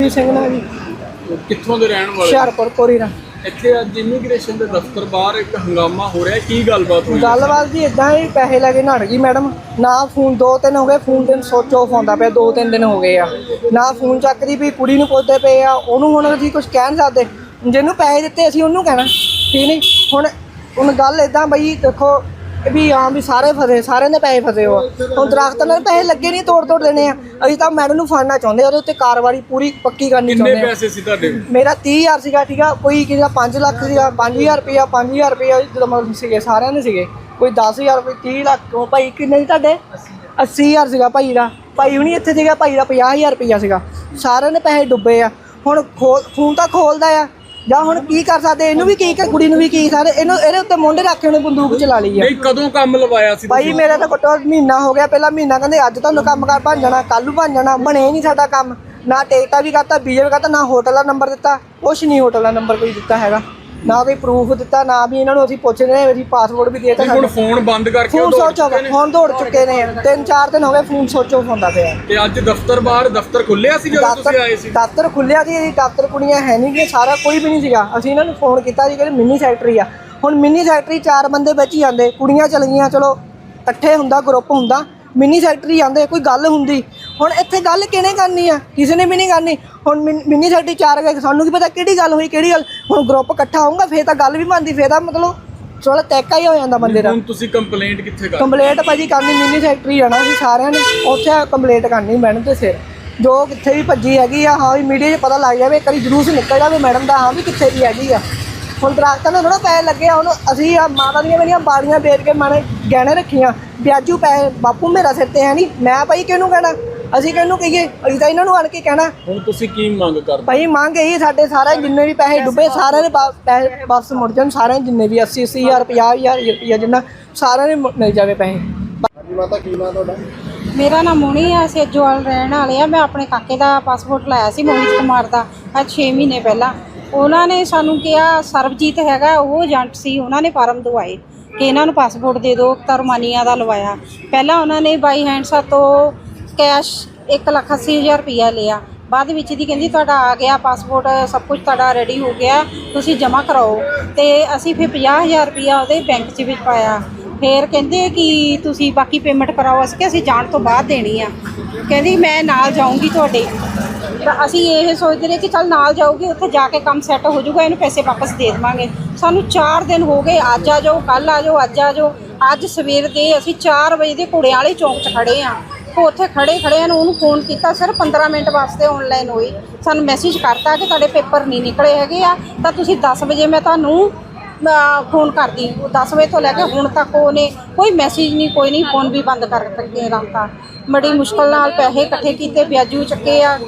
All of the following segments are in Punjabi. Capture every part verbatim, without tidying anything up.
ਜਸਵੀਰ ਸਿੰਘ ਨਾਲ ਜੀ। ਕਿੱਥੋਂ ਦੇ ਰਹਿਣ ਵਾਲੇ? ਹੁਸ਼ਿਆਰਪੁਰ ਕੋਰੀ ਦਾ। ਇੱਥੇ ਅੱਜ ਇਮੀਗ੍ਰੇਸ਼ਨ ਦੇ ਦਫ਼ਤਰ ਬਾਹਰ ਇੱਕ ਹੰਗਾਮਾ ਹੋ ਰਿਹਾ, ਕੀ ਗੱਲਬਾਤ ਹੋਈ? ਗੱਲਬਾਤ ਜੀ ਇਦਾਂ ਹੀ, ਪੈਸੇ ਲੈ ਕੇ ਨੜ ਗਈ ਮੈਡਮ। ਨਾ ਫੋਨ ਦੋ ਤਿੰਨ ਹੋ ਗਏ, ਫੋਨ ਦਿਨ ਸੋਚ ਆਫ ਆਉਂਦਾ ਪਿਆ, ਦੋ ਤਿੰਨ ਦਿਨ ਹੋ ਗਏ ਆ। ਨਾ ਫੋਨ ਚੱਕਦੀ ਵੀ, ਕੁੜੀ ਨੂੰ ਪੁੱਛਦੇ ਪਏ ਆ, ਉਹਨੂੰ ਹੁਣ ਅਸੀਂ ਕੁਝ ਕਹਿ ਨਹੀਂ ਸਕਦੇ। ਜਿਹਨੂੰ ਪੈਸੇ ਦਿੱਤੇ ਅਸੀਂ ਉਹਨੂੰ ਕਹਿਣਾ, ਠੀਕ ਨਹੀਂ। ਹੁਣ ਹੁਣ ਗੱਲ ਇੱਦਾਂ ਬਈ ਦੇਖੋ ਵੀ ਹਾਂ ਵੀ ਸਾਰੇ ਫਸੇ, ਸਾਰਿਆਂ ਦੇ ਪੈਸੇ ਫਸੇ ਹੋ। ਹੁਣ ਦਰਖਤ ਨਾਲ ਪੈਸੇ ਲੱਗੇ ਨਹੀਂ, ਤੋੜ ਤੋੜ ਦੇਣੇ ਆ। ਅਸੀਂ ਤਾਂ ਮੈਡਮ ਨੂੰ ਫੜਨਾ ਚਾਹੁੰਦੇ, ਉਹਦੇ ਉੱਤੇ ਕਾਰਵਾਈ ਪੂਰੀ ਪੱਕੀ ਕਰਨੀ ਚਾਹੁੰਦੇ। ਕਿੰਨੇ ਪੈਸੇ ਸੀ ਤੁਹਾਡੇ? ਮੇਰਾ ਤੀਹ ਹਜ਼ਾਰ ਸੀਗਾ, ਠੀਕ ਆ। ਕੋਈ ਕਿਸੇ ਦਾ ਪੰਜ ਲੱਖ ਸੀਗਾ, ਪੰਜ ਹਜ਼ਾਰ ਰੁਪਇਆ, ਪੰਜ ਹਜ਼ਾਰ ਰੁਪਇਆ ਜਦੋਂ ਮਤਲਬ ਸੀਗੇ, ਸਾਰਿਆਂ ਦੇ ਸੀਗੇ। ਕੋਈ ਦਸ ਹਜ਼ਾਰ, ਕੋਈ ਤੀਹ ਲੱਖ। ਉਹ ਭਾਈ ਕਿੰਨੇ ਸੀ ਤੁਹਾਡੇ? ਅੱਸੀ ਹਜ਼ਾਰ ਸੀਗਾ ਭਾਈ ਦਾ। ਭਾਈ ਹੁਣੀ ਇੱਥੇ ਸੀਗਾ, ਭਾਈ ਦਾ ਪੰਜਾਹ ਹਜ਼ਾਰ ਰੁਪਇਆ ਸੀਗਾ। ਸਾਰਿਆਂ ਦੇ ਪੈਸੇ ਡੁੱਬੇ ਆ। ਹੁਣ ਖੋਲ ਫੋਨ ਤਾਂ ਖੋਲਦਾ ਆ ਜਾਂ ਹੁਣ ਕੀ ਕਰ ਸਕਦੇ? ਇਹਨੂੰ ਵੀ ਕੀ, ਕੁੜੀ ਨੂੰ ਵੀ ਕੀ, ਸਾਰੇ ਇਹਨੂੰ ਇਹਦੇ ਉੱਤੇ ਮੁੰਡੇ ਰੱਖ ਕੇ ਉਹਨੇ ਬੰਦੂਕ ਚਲਾ ਲਈ ਆ। ਨਹੀਂ, ਕਦੋਂ ਕੰਮ ਲਵਾਇਆ ਸੀ ਭਾਈ? ਮੇਰਾ ਤਾਂ ਘੱਟੋ ਮਹੀਨਾ ਹੋ ਗਿਆ। ਪਹਿਲਾਂ ਮਹੀਨਾ ਕਹਿੰਦੇ ਅੱਜ ਤੁਹਾਨੂੰ ਕੰਮ ਕਾਰ ਬਣ ਜਾਣਾ, ਕੱਲ੍ਹ ਨੂੰ ਬਣ ਜਾਣਾ। ਬਣੇ ਨਹੀਂ ਸਾਡਾ ਕੰਮ। ਨਾ ਟਿਕਟਾਂ ਵੀ ਕਰਤਾ, ਵੀਜ਼ਾ ਵੀ ਕਰਤਾ, ਨਾ ਹੋਟਲ ਦਾ ਨੰਬਰ ਦਿੱਤਾ, ਕੁਛ ਨਹੀਂ ਹੋਟਲ ਦਾ ਨੰਬਰ ਕੋਈ ਦਿੱਤਾ ਹੈਗਾ, ਨਾ ਕੋਈ ਪ੍ਰੂਫ ਦਿੱਤਾ, ਨਾ ਵੀ ਇਹਨਾਂ ਨੂੰ ਅਸੀਂ ਪੁੱਛਦੇ ਨੇ। ਅਸੀਂ ਪਾਸਪੋਰਟ ਵੀ ਦੇ ਦਿੱਤਾ। ਹੁਣ ਫੋਨ ਬੰਦ ਕਰਕੇ ਫੋਨ ਸੋਚ ਆਫ, ਹੁਣ ਦੌੜ ਚੁੱਕੇ ਨੇ। ਤਿੰਨ ਚਾਰ ਦਿਨ ਹੋ ਗਏ ਫੋਨ ਸੋਚ ਆਫ ਹੁੰਦਾ ਪਿਆ। ਤੇ ਅੱਜ ਦਫ਼ਤਰ ਬਾਹਰ ਦਫ਼ਤਰ ਖੁੱਲਿਆ ਸੀ ਜਦੋਂ ਤੁਸੀਂ ਆਏ ਸੀ? ਦਫ਼ਤਰ ਖੁੱਲਿਆ ਸੀ, ਦਫ਼ਤਰ ਕੁੜੀਆਂ ਹੈ ਨਹੀਂ ਗੀ, ਸਾਰਾ ਕੋਈ ਵੀ ਨਹੀਂ ਸੀਗਾ। ਅਸੀਂ ਇਹਨਾਂ ਨੂੰ ਫੋਨ ਕੀਤਾ ਸੀ ਕਿ ਮਿੰਨੀ ਸੈਕਟਰੀ ਆ। ਹੁਣ ਮਿੰਨੀ ਸੈਕਟਰੀ ਚਾਰ ਬੰਦੇ ਵਿੱਚ ਹੀ ਆਉਂਦੇ, ਕੁੜੀਆਂ ਚਲ ਗਈਆਂ, ਚਲੋ ਇਕੱਠੇ ਹੁੰਦਾ, ਗਰੁੱਪ ਹੁੰਦਾ, ਮਿੰਨੀ ਸੈਕਟਰੀ ਆਉਂਦੇ, ਕੋਈ ਗੱਲ ਹੁੰਦੀ। ਹੁਣ ਇੱਥੇ ਗੱਲ ਕਿਹਨੇ ਕਰਨੀ ਆ? ਕਿਸੇ ਨੇ ਵੀ ਨਹੀਂ ਕਰਨੀ। ਹੁਣ ਮਿੰਨੀ ਸੈਕਟਰੀ ਚਾਰ ਗਏ, ਸਾਨੂੰ ਕੀ ਪਤਾ ਕਿਹੜੀ ਗੱਲ ਹੋਈ, ਕਿਹੜੀ ਗੱਲ। ਹੁਣ ਗਰੁੱਪ ਇਕੱਠਾ ਹੋਊਗਾ ਫੇਰ ਤਾਂ ਗੱਲ ਵੀ ਬਣਦੀ, ਫੇਰ ਤਾਂ ਮਤਲਬ ਥੋੜਾ ਤੈਕਾ ਹੀ ਹੋ ਜਾਂਦਾ ਬੰਦੇ ਦਾ। ਹੁਣ ਤੁਸੀਂ ਕੰਪਲੇਂਟ ਕਿੱਥੇ ਕਰ? ਕੰਪਲੇਂਟ ਭਾਜੀ ਕਰਨੀ ਮਿੰਨੀ ਸੈਕਟਰੀ ਜਾਣਾ ਸੀ ਸਾਰਿਆਂ ਨੇ, ਉੱਥੇ ਕੰਪਲੇਂਟ ਕਰਨੀ ਮੈਡਮ ਦੇ ਸਿਰ। ਜੋ ਕਿੱਥੇ ਵੀ ਭੱਜੀ ਹੈਗੀ ਆ, ਹਾਂ ਵੀ ਮੀਡੀਆ 'ਚ ਪਤਾ ਲੱਗ ਜਾਵੇ, ਇੱਕ ਵਾਰੀ ਜਲੂਸ ਨਿਕਲ ਜਾਵੇ ਮੈਡਮ ਦਾ, ਹਾਂ ਵੀ ਕਿੱਥੇ ਦੀ ਹੈਗੀ ਆ। ਹੁਣ ਦਰਖਤਾਂ ਨੂੰ ਥੋੜ੍ਹਾ ਪੈਸੇ ਲੱਗੇ ਆ। ਉਹਨੂੰ ਅਸੀਂ ਆ ਮਾਤਾ ਦੀਆਂ ਮੇਰੀਆਂ ਬਾੜੀਆਂ ਵੇਚ ਕੇ ਮਾਣੇ ਗਹਿਣੇ ਰੱਖੀਆਂ, ਵਿਆਜੂ ਪੈਸੇ। ਬਾਪੂ ਮੇਰਾ ਸਿਰ 'ਤੇ ਹੈ ਨਹੀਂ, ਮੈਂ ਭਾਈ ਕਿਹਨੂੰ ਕਹਿਣਾ? ਅਸੀਂ ਕਿਹਨੂੰ ਕਹੀਏ? ਅਸੀਂ ਤਾਂ ਇਹਨਾਂ ਨੂੰ ਆਣ ਕੇ ਕਹਿਣਾ। ਹੁਣ ਤੁਸੀਂ ਕੀ ਮੰਗ ਕਰਦੇ? ਭਾਈ ਮੰਗ ਇਹੀ, ਸਾਡੇ ਸਾਰੇ ਜਿੰਨੇ ਵੀ ਪੈਸੇ ਡੁੱਬੇ ਸਾਰਿਆਂ ਦੇ ਪੈਸੇ ਵਾਪਸ ਮੁੜ ਜਾਣ। ਸਾਰਿਆਂ ਜਿੰਨੇ ਵੀ ਅੱਸੀ ਅੱਸੀ ਹਜ਼ਾਰ, ਪੰਜਾਹ ਹਜ਼ਾਰ ਰੁਪਈਆ ਜਿੰਨਾ, ਸਾਰਿਆਂ ਨੇ ਮਿਲ ਜਾਵੇ ਪੈਸੇ। ਹਾਂਜੀ ਮਾਤਾ, ਕੀ ਨਾਮ ਤੁਹਾਡਾ? ਮੇਰਾ ਨਾਮ ਮੋਣੀ ਆ, ਸੇਜੋਵਾਲ ਰਹਿਣ ਵਾਲੇ ਆ। ਮੈਂ ਆਪਣੇ ਕਾਕੇ ਦਾ ਪਾਸਪੋਰਟ ਲਾਇਆ ਸੀ, ਮੋਹਿਤ ਕੁਮਾਰ ਦਾ, ਅੱਜ ਛੇ ਮਹੀਨੇ ਪਹਿਲਾਂ। ਉਹਨਾਂ ਨੇ ਸਾਨੂੰ ਕਿਹਾ, ਸਰਬਜੀਤ ਹੈਗਾ ਉਹ ਏਜੰਟ ਸੀ, ਉਹਨਾਂ ਨੇ ਫਾਰਮ ਦਵਾਏ ਕਿ ਇਹਨਾਂ ਨੂੰ ਪਾਸਪੋਰਟ ਦੇ ਦਿਓ, ਤਾਂ ਰੁਮਾਨੀਆ ਦਾ ਲਵਾਇਆ। ਪਹਿਲਾਂ ਉਹਨਾਂ ਨੇ ਬਾਈ ਹੈਂਡ ਸਾਤੋਂ ਕੈਸ਼ ਇੱਕ ਲੱਖ ਅੱਸੀ ਹਜ਼ਾਰ ਰੁਪਈਆ ਲਿਆ। ਬਾਅਦ ਵਿੱਚ ਦੀ ਕਹਿੰਦੀ ਤੁਹਾਡਾ ਆ ਗਿਆ ਪਾਸਪੋਰਟ, ਸਭ ਕੁਝ ਤੁਹਾਡਾ ਰੈਡੀ ਹੋ ਗਿਆ, ਤੁਸੀਂ ਜਮ੍ਹਾਂ ਕਰਾਓ। ਅਤੇ ਅਸੀਂ ਫਿਰ ਪੰਜਾਹ ਹਜ਼ਾਰ ਰੁਪਈਆ ਉਹਦੇ ਬੈਂਕ 'ਚ ਵਿੱਚ ਪਾਇਆ। ਫਿਰ ਕਹਿੰਦੇ ਕਿ ਤੁਸੀਂ ਬਾਕੀ ਪੇਮੈਂਟ ਕਰਾਓ। ਅਸੀਂ ਕਿ ਅਸੀਂ ਜਾਣ ਤੋਂ ਬਾਅਦ ਦੇਣੀ ਆ। ਕਹਿੰਦੀ ਮੈਂ ਨਾਲ ਜਾਊਂਗੀ ਤੁਹਾਡੇ। ਤਾਂ ਅਸੀਂ ਇਹ ਸੋਚਦੇ ਰਹੇ ਕਿ ਚੱਲ ਨਾਲ ਜਾਊਗੀ, ਉੱਥੇ ਜਾ ਕੇ ਕੰਮ ਸੈੱਟ ਹੋ ਜਾਊਗਾ, ਇਹਨੂੰ ਪੈਸੇ ਵਾਪਸ ਦੇ ਦੇਵਾਂਗੇ। ਸਾਨੂੰ ਚਾਰ ਦਿਨ ਹੋ ਗਏ, ਅੱਜ ਆ ਜਾਓ, ਕੱਲ੍ਹ ਆ ਜਾਓ, ਅੱਜ ਆ ਜਾਓ। ਅੱਜ ਸਵੇਰ ਦੇ ਅਸੀਂ ਚਾਰ ਵਜੇ ਦੇ ਘੋੜਿਆਂ ਵਾਲੇ ਚੌਂਕ 'ਚ ਖੜ੍ਹੇ ਹਾਂ। ਉੱਥੇ ਖੜ੍ਹੇ ਖੜ੍ਹੇ ਨੂੰ ਉਹਨੂੰ ਫੋਨ ਕੀਤਾ, ਸਿਰਫ ਪੰਦਰਾਂ ਮਿੰਟ ਵਾਸਤੇ ਔਨਲਾਈਨ ਹੋਈ। ਸਾਨੂੰ ਮੈਸੇਜ ਕਰਤਾ ਕਿ ਤੁਹਾਡੇ ਪੇਪਰ ਨਹੀਂ ਨਿਕਲੇ ਹੈਗੇ ਆ, ਤਾਂ ਤੁਸੀਂ ਦਸ ਵਜੇ ਮੈਂ ਤੁਹਾਨੂੰ ਫੋਨ ਕਰਦੀ। ਦਸ ਵਜੇ ਤੋਂ ਲੈ ਕੇ ਹੁਣ ਤੱਕ ਉਹਨੇ ਕੋਈ ਮੈਸੇਜ ਨਹੀਂ, ਕੋਈ ਨਹੀਂ, ਫੋਨ ਵੀ ਬੰਦ ਕਰ ਕੇ ਰੱਖਤਾ। ਬੜੀ ਮੁਸ਼ਕਿਲ ਨਾਲ ਪੈਸੇ ਇਕੱਠੇ ਕੀਤੇ, ਵਿਆਜੂ ਚੱਕੇ ਆ।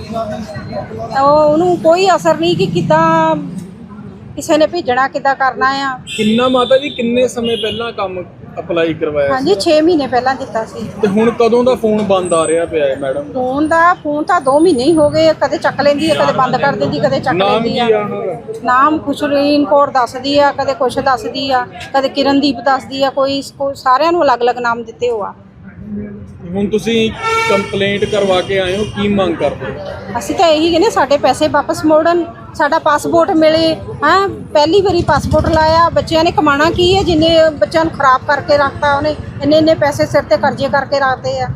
ਉਹ ਉਹਨੂੰ ਕੋਈ ਅਸਰ ਨਹੀਂ ਕਿ ਕਿੱਦਾਂ ਕਿਸੇ ਨੇ ਭੇਜਣਾ, ਕਿੱਦਾਂ ਕਰਨਾ ਆ। ਕਿੰਨਾ ਮਾਤਾ ਜੀ, ਕਿੰਨੇ ਸਮੇਂ ਪਹਿਲਾਂ ਕੰਮ ਅਪਲਾਈ ਕਰਵਾਇਆ? ਹਾਂਜੀ, ਛੇ ਮਹੀਨੇ ਪਹਿਲਾਂ ਦਿੱਤਾ ਸੀ। ਤੇ ਹੁਣ ਕਦੋਂ ਦਾ ਫੋਨ ਬੰਦ ਆ ਰਿਹਾ ਪਿਆ ਹੈ ਮੈਡਮ? ਫੋਨ ਦਾ ਫੋਨ ਤਾਂ ਦੋ ਮਹੀਨੇ ਹੀ ਹੋ ਗਏ। ਕਦੇ ਚੱਕ ਲੈਂਦੀ ਹੈ, ਕਦੇ ਬੰਦ ਕਰ ਦਿੰਦੀ, ਕਦੇ ਚੱਕ ਲੈਂਦੀ ਆ। ਨਾਮ ਖੁਸ਼ਰੀਨ ਕੌਰ ਦੱਸਦੀ ਆ, ਕਦੇ ਕੁਛ ਦੱਸਦੀ ਆ, ਕਦੇ ਕਿਰਨਦੀਪ ਦੱਸਦੀ ਆ। ਕੋਈ ਸਾਰਿਆਂ ਨੂੰ ਅਲੱਗ ਅਲੱਗ ਨਾਮ ਦਿੱਤੇ ਹੋ ਆ। ਹੁਣ ਤੁਸੀਂ ਕੰਪਲੇਂਟ ਕਰਵਾ ਕੇ ਆਏ ਹੋ, ਕੀ ਮੰਗ ਕਰਦੇ ਹੋ? ਅਸੀਂ ਤਾਂ ਇਹੀ ਕਹਿੰਦੇ ਸਾਡੇ ਪੈਸੇ ਵਾਪਸ ਮੋੜਨ, ਸਾਡਾ ਪਾਸਪੋਰਟ ਮਿਲੇ। ਹਾਂ, ਪਹਿਲੀ ਵਾਰੀ ਪਾਸਪੋਰਟ ਲਾਇਆ, ਬੱਚਿਆਂ ਨੇ ਕਮਾਣਾ ਕੀ ਹੈ? ਜਿੰਨੇ ਬੱਚਿਆਂ ਨੂੰ ਖਰਾਬ ਕਰਕੇ ਰੱਖਤਾ ਉਹਨੇ, ਇੰਨੇ ਇੰਨੇ ਪੈਸੇ ਸਿਰ ਤੇ ਕਰਜ਼ੇ ਕਰਕੇ ਰੱਖਦੇ ਆ।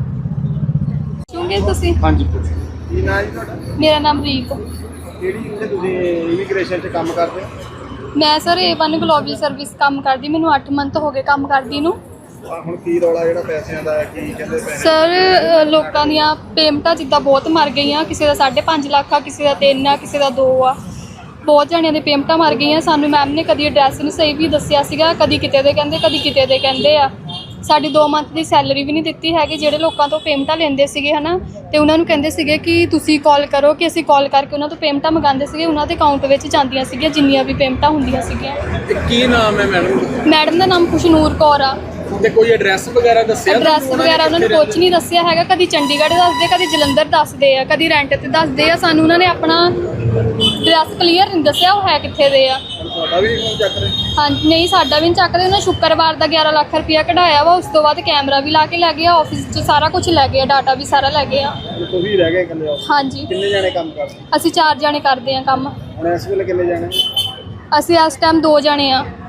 ਸੁਣਗੇ ਤੁਸੀਂ? ਹਾਂਜੀ, ਕੀ ਨਾਮ ਜੀ ਤੁਹਾਡਾ? ਮੇਰਾ ਨਾਮ ਰੀਤ। ਕਿਹੜੀ ਇੱਥੇ ਤੁਸੀਂ ਇਮੀਗ੍ਰੇਸ਼ਨ 'ਚ ਕੰਮ ਕਰਦੇ ਹੋ? ਮੈਂ sir A one global service ਕੰਮ ਕਰਦੀ, ਮੈਨੂੰ ਅੱਠ ਮੰਥ ਹੋ ਗਏ ਕੰਮ ਕਰਦੀ ਨੂੰ। ਹੁਣ ਕੀ ਰੌਲਾ ਜਿਹੜਾ ਪੈਸਿਆਂ ਦਾ, ਕੀ ਕਹਿੰਦੇ ਪੈਸੇ? ਸਰ ਲੋਕਾਂ ਦੀਆਂ ਪੇਮੈਂਟਾਂ ਜਿੱਦਾਂ ਬਹੁਤ ਮਰ ਗਈਆਂ, ਕਿਸੇ ਦਾ ਸਾਢੇ ਪੰਜ ਲੱਖ ਆ, ਕਿਸੇ ਦਾ ਤਿੰਨ ਆ, ਕਿਸੇ ਦਾ ਦੋ ਆ। ਬਹੁਤ ਜਣਿਆਂ ਦੇ ਪੇਮੈਂਟਾਂ ਮਰ ਗਈਆਂ। ਸਾਨੂੰ ਮੈਮ ਨੇ ਕਦੀ ਐਡਰੈਸ ਨਹੀਂ ਸਹੀ ਵੀ ਦੱਸਿਆ ਸੀਗਾ, ਕਦੀ ਕਿਤੇ ਦੇ ਕਹਿੰਦੇ, ਕਦੀ ਕਿਤੇ ਦੇ ਕਹਿੰਦੇ ਆ। ਸਾਡੀ ਦੋ ਮੰਥ ਦੀ ਸੈਲਰੀ ਵੀ ਨਹੀਂ ਦਿੱਤੀ ਹੈਗੀ। ਜਿਹੜੇ ਲੋਕਾਂ ਤੋਂ ਪੇਮੈਂਟਾਂ ਲੈਂਦੇ ਸੀਗੇ ਹੈ ਨਾ, ਅਤੇ ਉਹਨਾਂ ਨੂੰ ਕਹਿੰਦੇ ਸੀਗੇ ਕਿ ਤੁਸੀਂ ਕਾਲ ਕਰੋ, ਕਿ ਅਸੀਂ ਕਾਲ ਕਰਕੇ ਉਹਨਾਂ ਤੋਂ ਪੇਮੈਂਟਾਂ ਮੰਗਵਾਉਂਦੇ ਸੀਗੇ। ਉਹਨਾਂ ਦੇ ਅਕਾਊਂਟ ਵਿੱਚ ਜਾਂਦੀਆਂ ਸੀਗੀਆਂ ਜਿੰਨੀਆਂ ਵੀ ਪੇਮੈਂਟਾਂ ਹੁੰਦੀਆਂ ਸੀਗੀਆਂ। ਕੀ ਨਾਮ ਹੈ ਮੈਡਮ? ਮੈਡਮ ਦਾ ਨਾਮ ਖੁਸ਼ਨੂਰ ਕੌਰ ਆ। ਤੇ ਕੋਈ ਐਡਰੈਸ ਵਗੈਰਾ ਦੱਸਿਆ ਐਡਰੈਸ ਤੁਹਾਨੂੰ ਵਗੈਰਾ ਉਹਨਾਂ ਨੇ ਕਿੱਥੇ ਕੁਝ ਨਹੀਂ ਦੱਸਿਆ ਹੈਗਾ। ਕਦੀ ਚੰਡੀਗੜ੍ਹ ਦੱਸਦੇ, ਕਦੀ ਜਲੰਧਰ ਦੱਸਦੇ ਆ, ਕਦੀ ਰੈਂਟ ਤੇ ਦੱਸਦੇ ਆ। ਸਾਨੂੰ ਉਹਨਾਂ ਨੇ ਆਪਣਾ ਐਡਰੈਸ ਕਲੀਅਰ ਨਹੀਂ ਦੱਸਿਆ ਉਹ ਹੈ ਕਿੱਥੇ ਦੇ ਆ। ਤੁਹਾਡਾ ਵੀ ਫੋਨ ਚੱਕ ਰਹੇ? ਹਾਂਜੀ ਨਹੀਂ, ਸਾਡਾ ਵੀ ਨਹੀਂ ਚੱਕਦੇ। ਉਹਨਾਂ ਸ਼ੁੱਕਰਵਾਰ ਦਾ ਗਿਆਰਾਂ ਲੱਖ ਰੁਪਇਆ ਕਢਾਇਆ ਵਾ, ਉਸ ਤੋਂ ਬਾਅਦ ਕੈਮਰਾ ਵੀ ਲਾ ਕੇ ਲੈ ਗਏ ਆ, ਆਫਿਸ 'ਚ ਸਾਰਾ ਕੁਝ ਲੈ ਗਏ ਆ, ਡਾਟਾ ਵੀ ਸਾਰਾ ਲੈ ਗਏ ਆ। ਤੁਸੀਂ ਰਹਿ ਗਏ ਇਕੱਲੇ ਹੋ? ਹਾਂਜੀ। ਕਿੰਨੇ ਜਾਣੇ ਕੰਮ ਕਰਦੇ? ਅਸੀਂ ਚਾਰ ਜਾਣੇ ਕਰਦੇ ਆ ਕੰਮ। ਹੁਣ ਇਸ ਵੇਲੇ ਕਿੰਨੇ ਜਾਣੇ? ਅਸੀਂ ਇਸ ਟਾਈਮ ਦੋ ਜਾਣੇ ਆ।